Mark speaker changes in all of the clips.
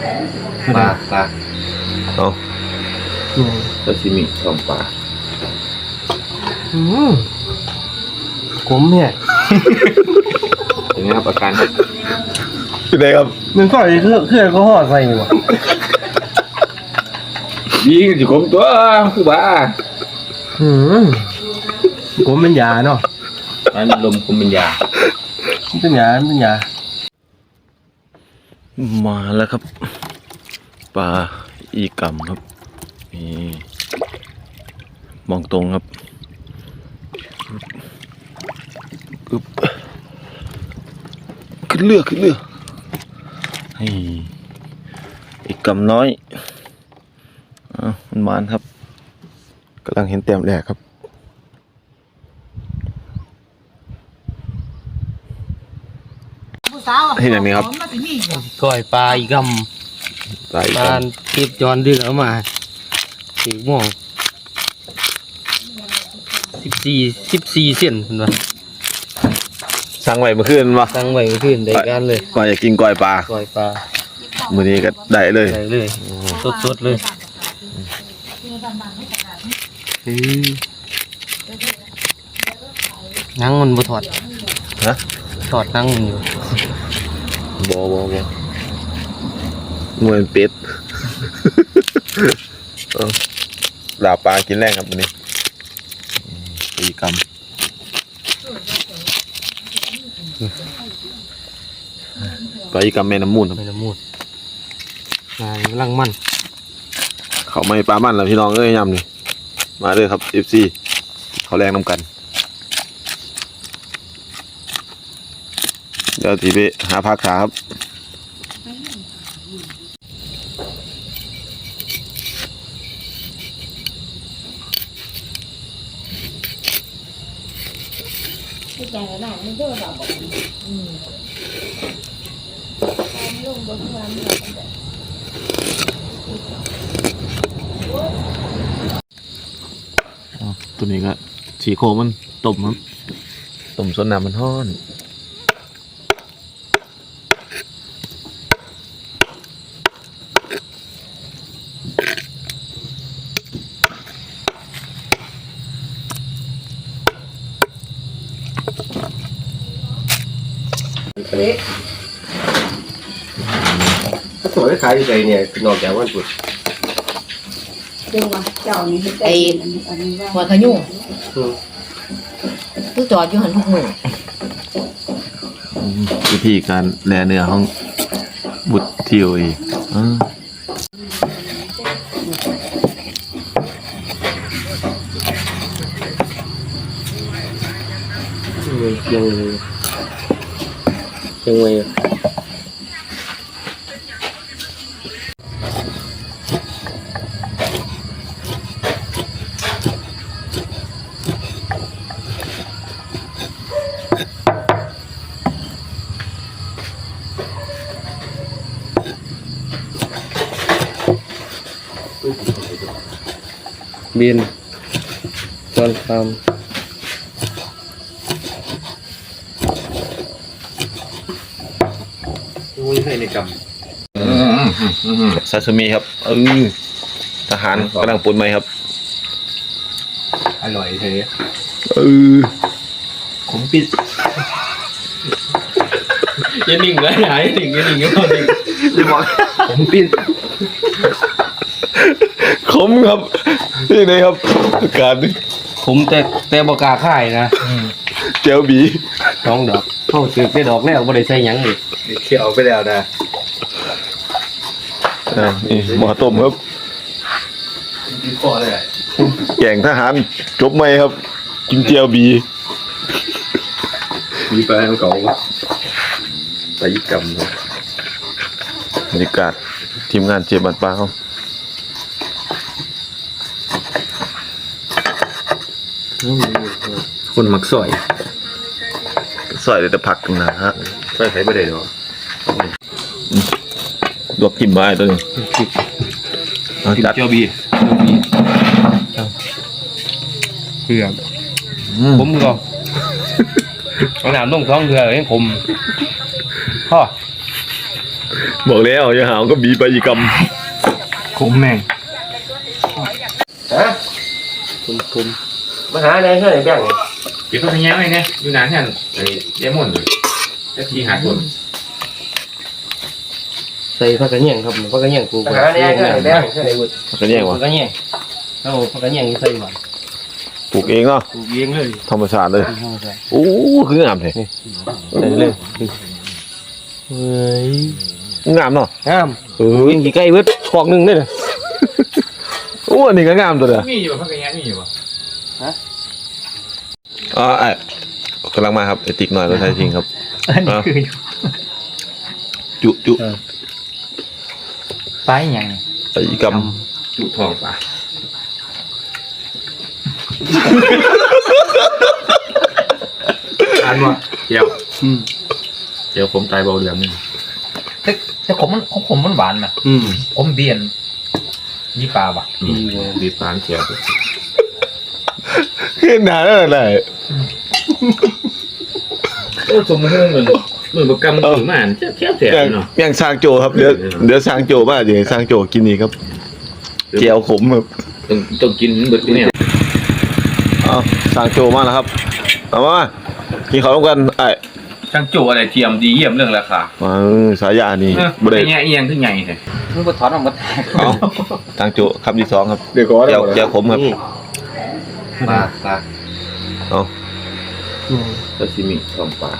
Speaker 1: ปลา
Speaker 2: เอา
Speaker 1: ซาชิมิ2ปลา
Speaker 3: ขมเนี่ย
Speaker 1: เป็นไงครับอาการครับ
Speaker 2: เป็นไงครับ
Speaker 3: มันก็เครื่องก็ห่อใส่หมด
Speaker 1: ยิงอยู่ผมตัวคือบ้า
Speaker 3: ผมเป็นยาเนาะ
Speaker 1: อันลมคุมเป็นยา
Speaker 3: เป็นยา
Speaker 2: มาแล้วครับปลาอีกัมครับนี่มองตรงครับขึ้นเรือให้อีกัมน้อยมันมานครับกำลังเห็นแต้มแรกครับที่ไหนนี่ครับ
Speaker 3: ก้อยปลาอีกำปลาติดจอนดึงออกมาสีม่วง14เส้นเห็นปะ
Speaker 2: สั่งไว้เมื่อคืนวะ
Speaker 3: สั่งไว้เมื่อคืนได้การเลย
Speaker 2: ว่าอยากกินก้อยปลามื้อนี้ก็ได้เลย
Speaker 3: สดเลยนั่งมันบ่ถอด
Speaker 2: ฮะ
Speaker 3: ถอดนั่งมันอยู่
Speaker 2: บ่มวยเป็ดลาปลากินแรงครับวันนี้อีกำปลาอีกำแม่น้ำมูลครับ
Speaker 3: แม่น้ำมูลงานลังมัน
Speaker 2: เขาไม่ปลามันแล้วพี่น้องเอ้ยยำนี่มาเลยครับ FC เขาแรงน้ำกันเดี๋ยวทีไปหาพักขาครับ
Speaker 4: ใจหนาไม่เยอะหรอกลงบนความหนัก
Speaker 2: ตัวนี้ก็ฉีโคมันต้มครับต้มส่วนน้ำมันห้อน
Speaker 1: สวยขายอยู่ไหนเนี่ยนอกจากวันพุธ
Speaker 4: เดี๋ยวว่าเจ้านี่ไอ้
Speaker 5: หัวขยุ่งคือจอดอยู่หันทุกมือ
Speaker 2: วิธีการแล่เนื้อของบุตรทิวอีก
Speaker 3: ยังไงบินจอนคำ
Speaker 1: ให้ในก
Speaker 2: ซาซิมิครับทหารกำลังปุ่นไหมครับ
Speaker 1: อร่อยเท่
Speaker 2: ผมปิด
Speaker 3: ยันหนิ่งเลยหายหนิ่งก็ดิ่ง
Speaker 2: ผมปิดขมครับนี่ไงครับอาการนี่
Speaker 3: ผมแต่บกาค่ายนะ
Speaker 2: เจลบี
Speaker 3: 2 ดอกเข้าสึกได้ดอกแล้วบ่ได้ใส่หยังอีก
Speaker 1: เคี่ยวไปแล้วนะ
Speaker 2: นี่หม้อต้มครับ
Speaker 1: กินพอเลย
Speaker 2: แกงทหารจบไหมครับกินเจียวบี
Speaker 1: มีปลาเก่าปลาอีกำ
Speaker 2: บรรยากาศทีมงานเจ็บบันปลาเขา
Speaker 1: คนมักสอย
Speaker 2: เลยแต่ผักนะฮะ
Speaker 1: ใส่ไม่ได้หรอ
Speaker 2: ลวกจิ้มไว้ตัวนี้
Speaker 1: จัดเจ้าบี
Speaker 3: เพื่อผมก็เอาน้ำลงท้องเรือให้ผมพ่อ
Speaker 2: บอกแล้วอย่าหาวก็บีไปอีกก
Speaker 3: ขมแม่ง
Speaker 1: ฮะ
Speaker 3: คุ้ม
Speaker 1: มาหาอะไรเท่าไหร่แบ่ง
Speaker 6: เก็บข้าวเหนียวไว้เนี่ยอยู่นานแค่ไอ้เดมอนจะทีหาคน
Speaker 3: ใส่ผักกระเนียงครับผักกระเนียงปลูก
Speaker 1: มาหาอะไรเท่าไหร่แบ่งเท่าไหร่บุตร
Speaker 2: ำกันแย่งวะ
Speaker 3: ผักกระเนียงเอาผักกระเนียงใส่หวาน
Speaker 2: ปลูกเองเนาะ
Speaker 3: ปลูกเองเลย
Speaker 2: ธรรมชาติเลยโอ้คืองามเลย
Speaker 3: ใส่เลยเฮ้ย
Speaker 2: งามเนาะ
Speaker 3: งาม
Speaker 2: เอ้ย
Speaker 3: กี่ไก่เบิดขอกหนึ่งได้เลย
Speaker 2: โอ้อันนี้ก็งามตัวเด้อ
Speaker 6: มีอยู่ข้าวเหนียวมีอยู่ป่ะ
Speaker 2: อ๋อไอ้กำลังมาครับไอติ๊กหน่อยก็ใช่จริงครับ
Speaker 3: อันนี้คือ
Speaker 2: จุ
Speaker 3: ปลาอย่าง
Speaker 2: ไปอีกก
Speaker 6: จุทองป่ะอันวะเจียวผมตายเบาเหลืองนี่แต่ผมมันหวานนะผมเบียนนี่ปลาป่ะบีปลาเจียว
Speaker 2: ขึ้นหนาแล้วไหน
Speaker 6: โอ้สมมือประกำมือมาเที่ยวเสียเนาะ
Speaker 2: อย่างช้างโจครับเดี๋ยวช้างโจบ้าเดี๋ยวช้างโจกินนี่ครับเจียวขมครับ
Speaker 6: ต้องกินเบิดเนี่ย
Speaker 2: เอาช้างโจมาแล้วครับเอามากินข้าวร่วมกันไอ้
Speaker 6: ช่างโจอะไรเทียมดีเยี่ยมเรื่องราคา
Speaker 2: สายานี่บ่
Speaker 6: ได้
Speaker 2: ได้
Speaker 6: เงี้ยเอียงขึ้นใหญ่เลยมึงก็ถอนออกมา
Speaker 2: เอาช้างโจคำที่สองครับ
Speaker 1: เดี๋ยวก่อน
Speaker 2: เจียวขมครับ
Speaker 6: ปลา
Speaker 2: เอา
Speaker 6: ซาซิมิทองปลา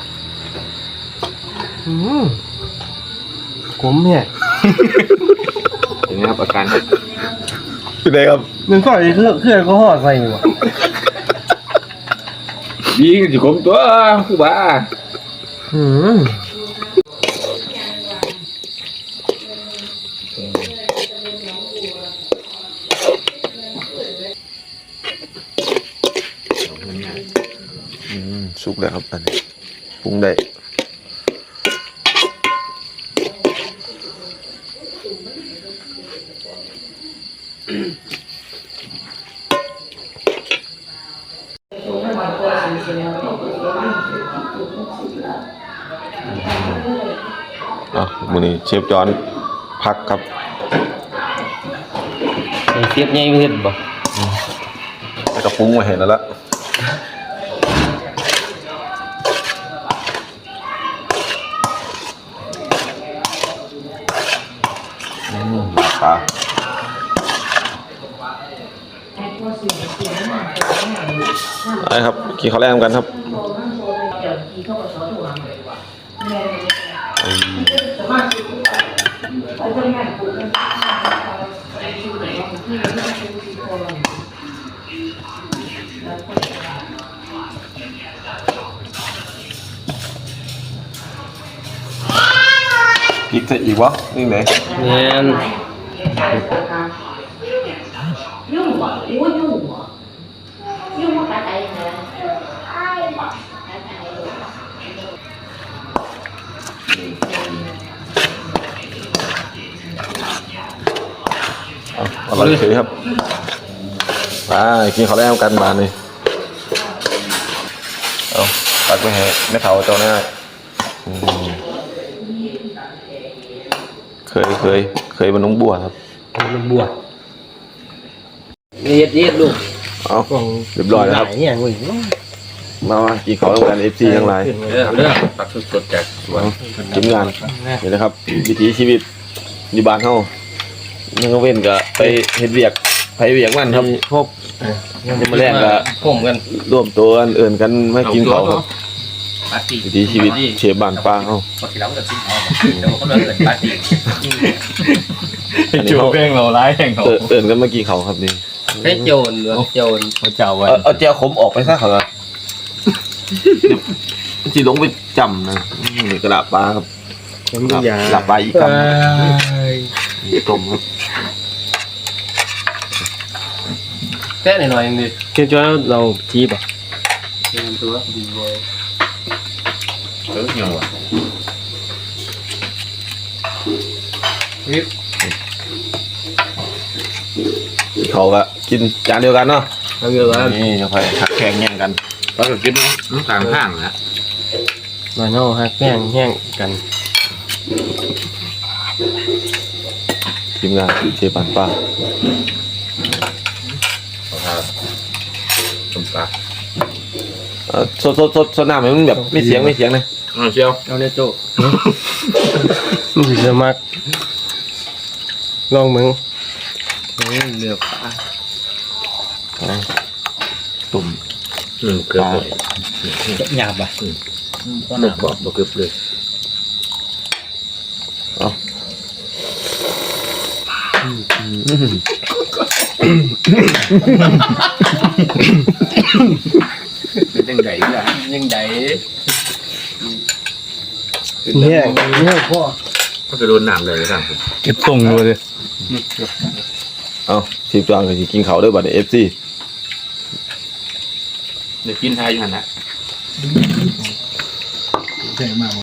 Speaker 3: ขมเนี่ย
Speaker 6: เป็นไงครับอาการครับ
Speaker 2: เป็นไงครับ
Speaker 3: มันก็เครื่องก็ห่อใส่หมด
Speaker 6: ยิงสิผมตัวคือบ้า
Speaker 2: สุกแล้วครับอันนี้ปรุงได้มื้อนี้เชฟจอนพักครับ
Speaker 3: เสียบใหญ่ไม่เห็นบ่
Speaker 2: แล้วก็ปรุงมาเห็นแล้วละปลาไอ้ครับกินข้าวแรงกันครับพริกใส่อีกวะนี่ไหน
Speaker 3: เนี่ย
Speaker 4: ยุ่งบ่โอ้ยยุ่งบ่ยุ่งบ่กระใจนะ
Speaker 2: อร่อยเฉยครับไปกินข้าวแรงกันมานี่เอาตักไปให้แม่เฒ่าเจ้าหน้าเคยมันน้องบัวครับ
Speaker 3: มันบวชเย็ดลูก
Speaker 2: เอาเรียบร้อยแล้วครับ
Speaker 3: เนี่ยมึง
Speaker 2: มากินข้าวร่วมกัน FC ทั้งหลาย
Speaker 6: เรื่องตักสดๆจากสวน
Speaker 2: ทีมงานนี่นะครับ วิถีชีวิตอยู่บ้านเฮายังก็เว้นก็ไปเฮ็ดเวียกไปเวียกมันครับ
Speaker 3: ครบ
Speaker 2: ยังมาแรกก็
Speaker 3: ผมกัน
Speaker 2: ร่วมตัวกันเอิ่นกันมากินข้าวครับ
Speaker 6: ปาร์ตี้
Speaker 2: วิถีชีวิตเชฟบ้านป้าเฮา
Speaker 6: ปกติเราก็จะกินเขาแต่ว่าเขาเลิกเกินปาร์ตี้
Speaker 2: อันนี้เขา
Speaker 6: แป้งเราร้ายแห่งเขา
Speaker 2: เอิ่นกันมากินข้าวครับนี่
Speaker 3: แค่โจรโจร
Speaker 6: เจ้าวัน
Speaker 2: เอาเจียวขมออกไปซะเขาละสิลงไปจำนะนี่กระดาษปลาครับ
Speaker 3: ผมดูยา
Speaker 2: หลับปลาอีกคำนี่ต้มครับ
Speaker 3: แค่หน่อยๆนึงเกี่ยวกับเราทีป่ะเกี่ยวตัวดีเลย
Speaker 6: เออยังวะ
Speaker 2: เขาก็กินจานเดียวกันเนาะ
Speaker 3: เอาเยอะกัน
Speaker 2: นี่จะค่อยหักแข่งแย่งกัน
Speaker 6: เราก็กินน้ำตาลข้างนะ
Speaker 3: มาเนาะฮักแห้งกัน
Speaker 2: ทีมงานเชฟปันป้า
Speaker 6: เอาท่าต้มปลา
Speaker 2: สดน้ำมันแบบไม่เสียงเลย
Speaker 6: เชียว
Speaker 3: เอาเนี่ยโจมันสิจะมักลองมึงเหลือปลา
Speaker 2: ตุ่ม
Speaker 6: เกือบเลย
Speaker 3: หยาบอ่ะ
Speaker 6: หนุกกว่าบ่เกือบเลย
Speaker 1: เป็นยังไงล่ะ
Speaker 3: ยังไงเนี่ยพ่อ
Speaker 6: ก็จะโดนน้ำเลยครับ
Speaker 2: เก็บตรงเลยเอาทีมจางกับทีกินเขาด้วยบัตรFC
Speaker 6: เดี๋ยวกินทายอยู่หันนะ